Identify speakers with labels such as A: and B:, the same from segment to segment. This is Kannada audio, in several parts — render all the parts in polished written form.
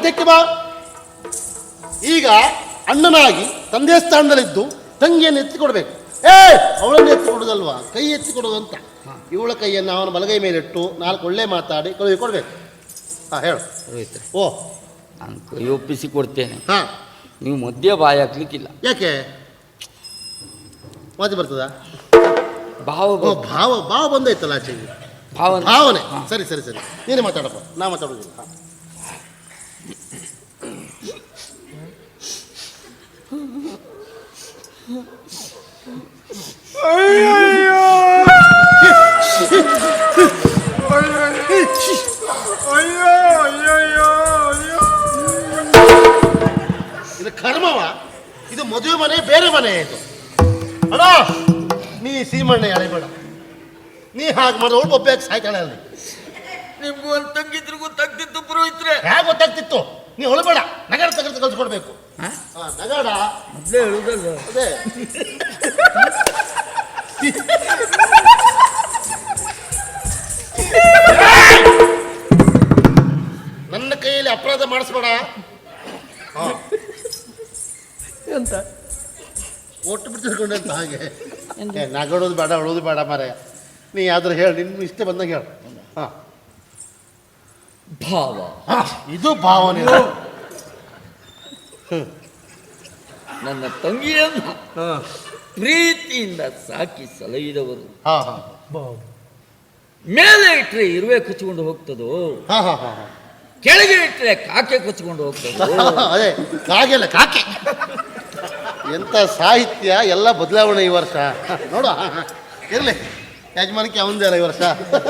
A: ಮಧ್ಯಕ್ಕೆ ಬಾ. ಈಗ ಅಣ್ಣನಾಗಿ ತಂದೆ ಸ್ಥಾನದಲ್ಲಿದ್ದು ತಂಗಿಯನ್ನು ಎತ್ತಿಕೊಡ್ಬೇಕು. ಅವಳನ್ನು ಎತ್ತಿಕೊಡೋದಲ್ವಾ, ಕೈ ಎತ್ತಿಕೊಡೋದು ಅಂತ. ಇವಳ ಕೈಯನ್ನು ಅವನ ಬಲಗೈ ಮೇಲಿಟ್ಟು 4 ಒಳ್ಳೆ ಮಾತಾಡಿ ಕಳುಹಿ ಕೊಡ್ಬೇಕು. ಹೇಳು. ಓ,
B: ನಾನು ಕೈ ಒಪ್ಪಿಸಿ ಕೊಡ್ತೇನೆ. ನೀವು ಮಧ್ಯ ಬಾಯಿ ಹಾಕ್ಲಿಕ್ಕಿಲ್ಲ.
A: ಯಾಕೆ? ಮಾತಿ ಬರ್ತದ?
B: ಭಾವ
A: ಭಾವ ಭಾವ ಬಂದೈತಲ್ಲ ಆಚೆ. ಭಾವನೆ. ಸರಿ ಸರಿ ಸರಿ, ನೀನೇ ಮಾತಾಡಪ್ಪ, ನಾ ಮಾತಾಡೋದಿಲ್ಲ. ಇದು ಕರ್ಮವ, ಇದು ಮದುವೆ ಮನೆ ಬೇರೆ ಮನೆ. ಇದು ಅಣ್ಣ, ನೀ ಸೀಮಣ್ಣೆ ಅಳೆಬೇಡ. ನೀ ಹಾಗೆ ಮಾಡೋಳು ಒಬ್ಬಕ್ಕೆ ಸಾಯ್ತಾಳೆ ಅಲ್ಲಿ.
B: ನಿಮ್ಗೂ ಒಂದು ತಂಗಿದ್ರು ಗೊತ್ತಾಗ್ತಿತ್ತು ಪುರೋಹಿತ್ರೆ.
A: ಹೇಗೆ ಗೊತ್ತಾಗ್ತಿತ್ತು? ನೀ ಹೊಳಬೇಡ, ನಗರ ತಗರ್ತು ಕಲ್ಸ್ಕೊಡ್ಬೇಕು. ನಗಡ
B: ಮೊದಲೇ ಹೇಳುದಲ್ಲ.
A: ಅದೇ ನನ್ನ ಕೈಯಲ್ಲಿ ಅಪರಾಧ ಮಾಡಿಸ್ಬೇಡ ಅಂತ ಒಟ್ಟು ಬಿಟ್ಟಿರ್ಕೊಂಡೆ ಅಂತ. ಹಾಗೆ ನಗಡೋದು ಬೇಡ, ಅಳೋದು ಬೇಡ ಮಾರಾಯ. ನೀ ಯಾವ್ದಾರು ಹೇಳಿ, ನಿನ್ನ ಇಷ್ಟ ಬಂದಾಗ ಹೇಳು.
B: ಭಾವ,
A: ಇದು ಭಾವನೆ.
B: ನನ್ನ ತಂಗಿಯನ್ನು ಪ್ರೀತಿಯಿಂದ ಸಾಕಿ ಸಲಹಿದವರು. ಮೇಲೆ ಇಟ್ಟರೆ ಇರುವೆ ಕಚ್ಚಿಕೊಂಡು ಹೋಗ್ತದೋ, ಕೆಳಗೆ ಇಟ್ಟರೆ ಕಾಕೆ ಕಚ್ಚಿಕೊಂಡು ಹೋಗ್ತದೋ.
A: ಅದೇ ಕಾಗೆಲ್ಲ ಕಾಕೆ. ಎಂತ ಸಾಹಿತ್ಯ, ಎಲ್ಲ ಬದಲಾವಣೆ ಈ ವರ್ಷ. ನೋಡ, ಇರಲಿ, ಯಜಮಾನಕ್ಕೆ ಅವಂದೇ ಅಲ್ಲ ಈ ವರ್ಷ.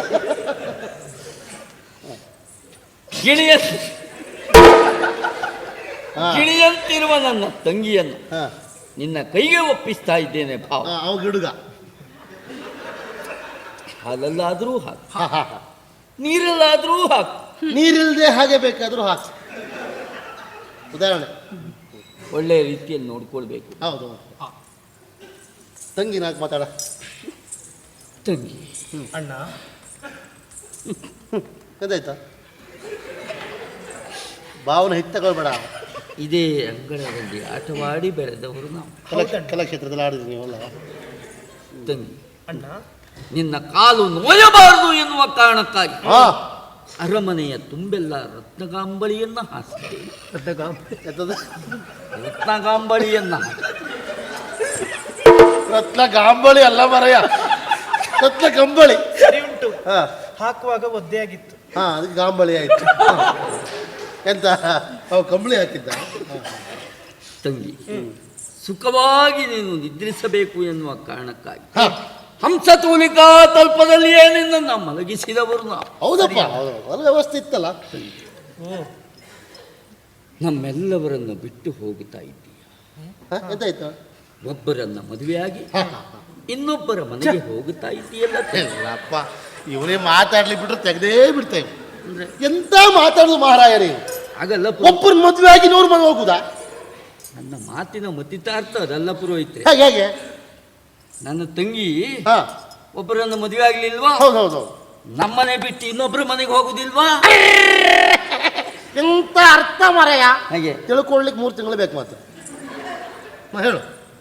B: ಗಿಳಿಯಂತಿರುವ ನನ್ನ ತಂಗಿಯನ್ನು ನಿನ್ನ ಕೈಗೆ ಒಪ್ಪಿಸ್ತಾ ಇದ್ದೇನೆ ಭಾವ.
A: ಅವ ಗಿಡುಗ.
B: ಹಾಲಲ್ಲಾದ್ರೂ ಹಾಕು, ನೀರಲ್ಲಾದ್ರೂ ಹಾಕು.
A: ನೀರಿಲ್ಲದೆ ಹಾಗೆ ಬೇಕಾದ್ರೂ ಹಾಕು. ಉದಾಹರಣೆ
B: ಒಳ್ಳೆಯ ರೀತಿಯಲ್ಲಿ ನೋಡ್ಕೊಳ್ಬೇಕು.
A: ಹೌದು. ತಂಗಿ ನಾಲ್ಕು ಮಾತಾಡ.
B: ತಂಗಿ
C: ಅಣ್ಣ,
A: ಅದಾಯ್ತಾ? ಭಾವನೆ ಹಿತ್ತಕೊಳ್ಬೇಡ.
B: ಇದೇ ಅಂಗಳದಲ್ಲಿ ಆಟವಾಡಿ ಬೆಳೆದವರು ನಾವು.
A: ಕಲಾಕ್ಷೇತ್ರದಲ್ಲಿ ಆಡಿದ್ವಿ ನೀವಲ್ಲ.
B: ತಂಗಿ
C: ಅಣ್ಣ,
B: ನಿನ್ನ ಕಾಲು ನೋಯಬಾರದು ಎನ್ನುವ ಕಾರಣಕ್ಕಾಗಿ ಅರಮನೆಯ ತುಂಬೆಲ್ಲ ರತ್ನಗಾಂಬಳಿಯನ್ನ ಹಾಸಿದ್ದೇನೆ. ರತ್ನಗಾಂಬಳಿಯನ್ನ.
A: ರತ್ನಗಾಂಬಳಿ ಅಲ್ಲ ಮರಯ್ಯ, ರತ್ನ ಕಂಬಳಿ.
C: ಸರಿ ಉಂಟು. ಹಾಕುವಾಗ ಒದ್ದೆ ಆಗಿತ್ತು.
A: ಅದಕ್ಕೆ ಗಾಂಬಳಿ ಆಯ್ತು. ಎಂತ ಅವು ಕಂಬಳಿ ಹಾಕಿದ್ದ.
B: ತಂಗಿ, ಸುಖವಾಗಿ ನೀನು ನಿದ್ರಿಸಬೇಕು ಎನ್ನುವ ಕಾರಣಕ್ಕಾಗಿ ಹಂಸ ತೂಲಿಕಾ ತಲ್ಪದಲ್ಲಿಯೇ ನಿನ್ನನ್ನು ಮಲಗಿಸಿದವರು ನಾವು.
A: ಹೌದಪ್ಪ, ಹೌದು, ವ್ಯವಸ್ಥೆ ಇತ್ತಲ್ಲ.
B: ನಮ್ಮೆಲ್ಲವರನ್ನು ಬಿಟ್ಟು ಹೋಗುತ್ತಾ ಇದ್ದೀಯ.
A: ಎಂತಾಯ್ತು?
B: ಒಬ್ಬರನ್ನ ಮದುವೆಯಾಗಿ ಇನ್ನೊಬ್ಬರ ಮನೆಗೆ ಹೋಗುತ್ತಾ ಇದ್ದೀಯಲ್ಲ.
A: ಅಪ್ಪ, ಇವರೇ ಮಾತಾಡ್ಲಿ ಬಿಟ್ರೆ ತೆಗೆದೇ ಬಿಡ್ತೇವೆ. ಎಂತ ಮಾತಾಡುದು ಮಹಾರಾಯರೇ?
B: ಆಗಲ್ಲ.
A: ಒಬ್ಬರ ಮದುವೆ ಆಗಿ 100 ಮನೆ ಹೋಗುದಾ?
B: ನನ್ನ ಮಾತಿನ ಮತಿತಾರ್ಥ ಅದಲ್ಲ ಪುರೋಹಿತ್ರೆ.
A: ಹೇಗೆ?
B: ನನ್ನ ತಂಗಿ ಒಬ್ಬರನ್ನು ಮದುವೆ ಆಗ್ಲಿಲ್ವಾ?
A: ಹೌದೌದು.
B: ನಮ್ಮನೆ ಬಿಟ್ಟು ಇನ್ನೊಬ್ಬರ ಮನೆಗೆ ಹೋಗುದಿಲ್ವಾ?
A: ಎಂತ ಅರ್ಥ ಮರೆಯ?
B: ಹಾಗೆ
A: ತಿಳ್ಕೊಳ್ಳಿಕ್ಕೆ 3 ತಿಂಗಳು ಬೇಕು ಮಾತ್ರ. ಹೇಳು.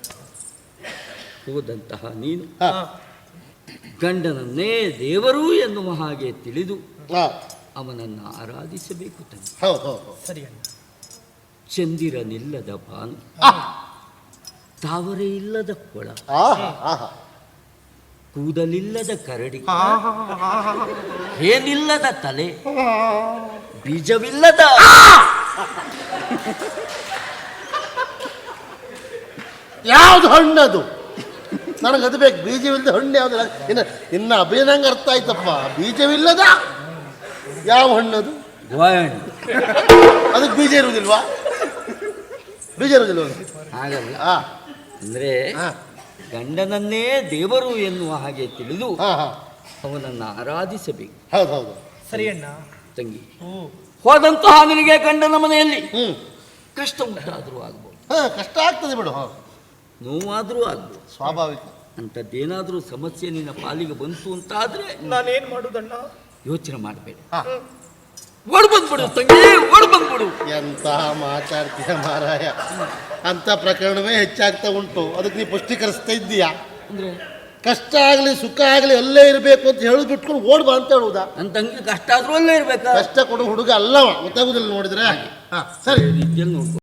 B: ಹೋದಂತಹ ನೀನು ಗಂಡನನ್ನೇ ದೇವರು ಎನ್ನುವ ಹಾಗೆ ತಿಳಿದು ಅವನನ್ನು ಆರಾಧಿಸಬೇಕು ತಂಗಿ.
C: ಸರಿ ಅಣ್ಣ.
B: ಚಂದಿರನಿಲ್ಲದ ಭಾನು, ತಾವರೆ ಇಲ್ಲದ ಕೊಳ, ಕೂದಲಿಲ್ಲದ ಕರಡಿ, ಏನಿಲ್ಲದ ತಲೆ, ಬೀಜವಿಲ್ಲದ
A: ಯಾವ್ದು ಹಣ್ಣದು? ನನಗದು ಬೇಕು. ಬೀಜವಿಲ್ಲದ ಹಣ್ಣು ಯಾವ್ದು? ಇನ್ನು ಅಭಿನಂಗ ಅರ್ಥ ಆಯ್ತಪ್ಪ. ಬೀಜವಿಲ್ಲದ ಯಾವ ಹಣ್ಣದು? ಅದಕ್ಕೆ ಬೀಜ ಇರುವುದಿಲ್ವಾ? ಬೀಜ ಇರುವುದಿಲ್ವ?
B: ಹಾಗಲ್ಲ. ಅಂದ್ರೆ ಗಂಡನನ್ನೇ ದೇವರು ಎನ್ನುವ ಹಾಗೆ ತಿಳಿದು ಅವನನ್ನು ಆರಾಧಿಸಬೇಕು.
A: ಹೌದೌದು.
C: ಸರಿ ಅಣ್ಣ.
B: ತಂಗಿ, ಹೋದಂತಹ ನಿನಗೆ ಗಂಡನ ಮನೆಯಲ್ಲಿ ಕಷ್ಟ ಉಂಟಾದರೂ ಆಗ್ಬೋದು.
A: ಕಷ್ಟ ಆಗ್ತದೆ ಬಿಡು,
B: ನೋವಾದರೂ ಆಗ್ಬೋದು,
A: ಸ್ವಾಭಾವಿಕ.
B: ಅಂಥದ್ದೇನಾದರೂ ಸಮಸ್ಯೆ ನಿನ್ನ ಪಾಲಿಗೆ ಬಂತು ಅಂತಾದ್ರೆ
C: ನಾನೇನ್ ಮಾಡುದಣ್ಣ?
B: ಯೋಚನೆ ಮಾಡಬೇಡ, ಓಡ್ ಬಂದ್ಬಿಡು ತಂಗಿ, ಓಡ್ ಬಂದ್ಬಿಡು.
A: ಎಂತ ಮಾತಾಡ್ತೀಯ ಮಾರಾಯ, ಅಂತ ಪ್ರಕರಣವೇ ಹೆಚ್ಚಾಗ್ತಾ ಉಂಟು. ಅದಕ್ಕೆ ನೀ ಪುಷ್ಟೀಕರಿಸ್ತಾ ಇದ್ದೀಯಾ?
B: ಅಂದ್ರೆ
A: ಕಷ್ಟ ಆಗಲಿ ಸುಖ ಆಗಲಿ ಅಲ್ಲೇ ಇರಬೇಕು ಅಂತ ಹೇಳಿ ಬಿಟ್ಕೊಂಡು ಓಡ್ಬಾ ಅಂತ ಹೇಳುವುದಾ?
B: ನನ್ನ ತಂಗಿ ಕಷ್ಟ ಆದ್ರೂ ಅಲ್ಲೇ ಇರ್ಬೇಕಾ?
A: ಕಷ್ಟ ಕೊಡೋ ಹುಡುಗ ಅಲ್ಲವ, ಗೊತ್ತಾಗುದಿಲ್ಲ ನೋಡಿದ್ರೆ. ಹಾ ಸರಿ.
B: ರೀತಿಯಲ್ಲಿ ನೋಡ್ಕೊ.